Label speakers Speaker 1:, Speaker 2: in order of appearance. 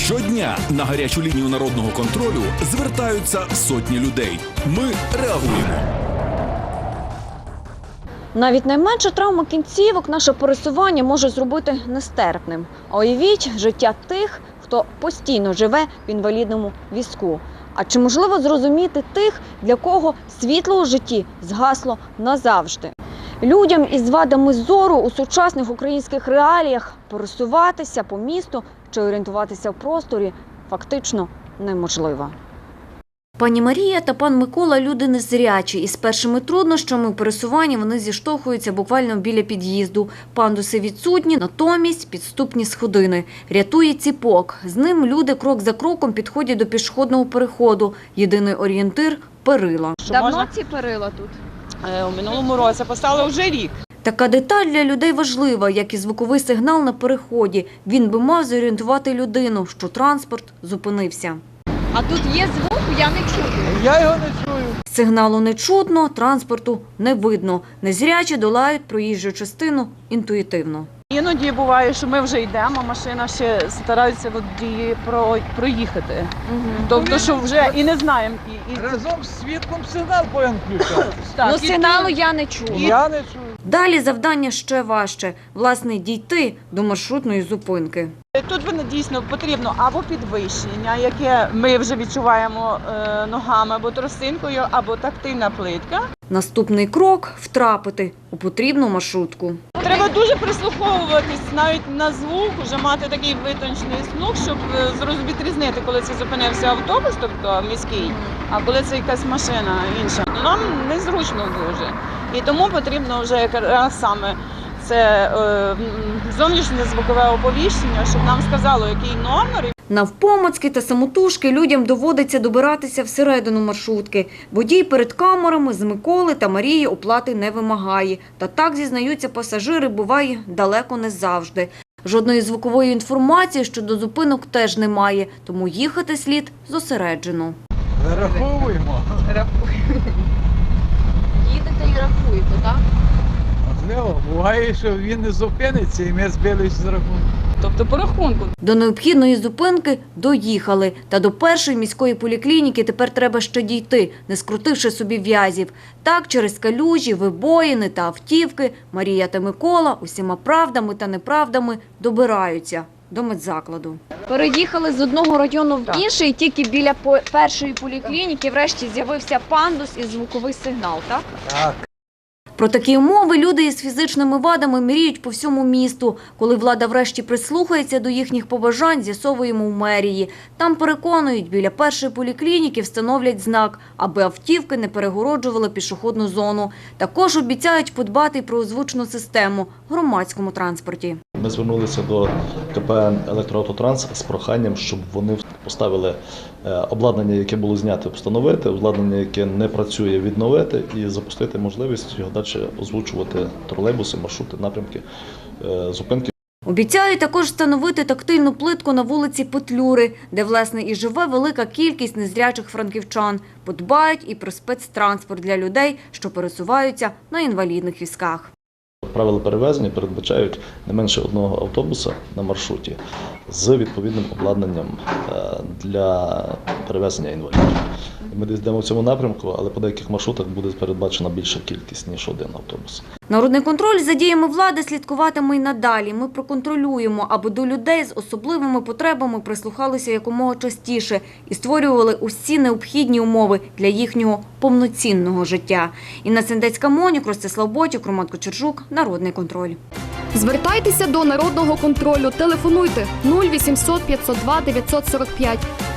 Speaker 1: Щодня на гарячу лінію народного контролю звертаються сотні людей. Ми реагуємо.
Speaker 2: Навіть найменша травма кінцівок наше пересування може зробити нестерпним. А уявіть життя тих, хто постійно живе в інвалідному візку. А чи можливо зрозуміти тих, для кого світло у житті згасло назавжди? Людям із вадами зору у сучасних українських реаліях пересуватися по місту чи орієнтуватися в просторі фактично неможливо. Пані Марія та пан Микола – люди незрячі. Із першими труднощами у пересуванні вони зіштовхуються буквально біля під'їзду. Пандуси відсутні, натомість підступні сходини. Рятує ціпок. З ним люди крок за кроком підходять до пішохідного переходу. Єдиний орієнтир – перила.
Speaker 3: Давно
Speaker 2: ці перила тут?
Speaker 3: У минулому році поставили вже рік.
Speaker 2: Така деталь для людей важлива, як і звуковий сигнал на переході. Він би мав зорієнтувати людину, що транспорт зупинився.
Speaker 3: А тут є звук, я не чую.
Speaker 4: Я його не чую.
Speaker 2: Сигналу не чутно, транспорту не видно. Незрячі долають проїжджу частину інтуїтивно.
Speaker 3: Іноді буває, що ми вже йдемо, машина ще старається водії проїхати. Тобто, що вже і не знаємо.
Speaker 4: Разом з світлом сигнал повинен включати.
Speaker 3: Сигналу я не чую.
Speaker 4: Я не чую.
Speaker 2: Далі завдання ще важче. Власне, дійти до маршрутної зупинки.
Speaker 3: Тут дійсно потрібно або підвищення, яке ми вже відчуваємо ногами, або тросинкою, або тактильна плитка.
Speaker 2: Наступний крок – втрапити у потрібну маршрутку.
Speaker 3: Треба дуже прислуховуватись навіть на звук, вже мати такий витончений слух, щоб відрізнити, коли це зупинився автобус, тобто міський, а коли це якась машина інша. Нам незручно дуже. І тому потрібно вже якраз саме це зовнішнє звукове оповіщення, щоб нам сказало, який номер.
Speaker 2: Навпомацьки та самотужки людям доводиться добиратися всередину маршрутки. Водій перед камерами з Миколи та Марії оплати не вимагає. Та так, зізнаються пасажири, буває далеко не завжди. Жодної звукової інформації щодо зупинок теж немає, тому їхати слід зосереджено.
Speaker 4: Зараховуємо.
Speaker 3: Їдете і рахуєте, так?
Speaker 4: Можливо, буває, що він не зупиниться і ми збились з рахунку.
Speaker 3: Тобто по рахунку.
Speaker 2: До необхідної зупинки доїхали. Та до першої міської поліклініки тепер треба ще дійти, не скрутивши собі в'язів. Так, через калюжі, вибоїни та автівки Марія та Микола усіма правдами та неправдами добираються до медзакладу.
Speaker 5: Переїхали з одного району в інший, тільки біля першої поліклініки врешті з'явився пандус і звуковий сигнал, так?
Speaker 4: Так.
Speaker 2: Про такі умови люди із фізичними вадами мріють по всьому місту. Коли влада врешті прислухається до їхніх побажань, з'ясовуємо в мерії. Там переконують, біля першої поліклініки встановлять знак, аби автівки не перегороджували пішохідну зону. Також обіцяють подбати й про озвучну систему в громадському транспорті.
Speaker 6: Ми звернулися до КП «Електроавтотранс» з проханням, щоб вони поставили обладнання, яке було знято, встановити, обладнання, яке не працює, відновити і запустити можливість його далі озвучувати тролейбуси, маршрути, напрямки, зупинки.
Speaker 2: Обіцяють також встановити тактильну плитку на вулиці Петлюри, де, власне, і живе велика кількість незрячих франківчан. Подбають і про спецтранспорт для людей, що пересуваються на інвалідних візках.
Speaker 6: Правила перевезення передбачають не менше одного автобуса на маршруті з відповідним обладнанням для перевезення інвалідів. Ми десь йдемо в цьому напрямку, але по деяких маршрутах буде передбачена більша кількість, ніж один автобус.
Speaker 2: Народний контроль за діями влади слідкуватиме й надалі. Ми проконтролюємо, аби до людей з особливими потребами прислухалися якомога частіше і створювали усі необхідні умови для їхнього повноцінного життя. Інна Сендецька-Монюк, Ростислав Ботюк, Роман Кочержук. Народний контроль.
Speaker 7: Звертайтеся до Народного контролю. Телефонуйте 0800 502 945.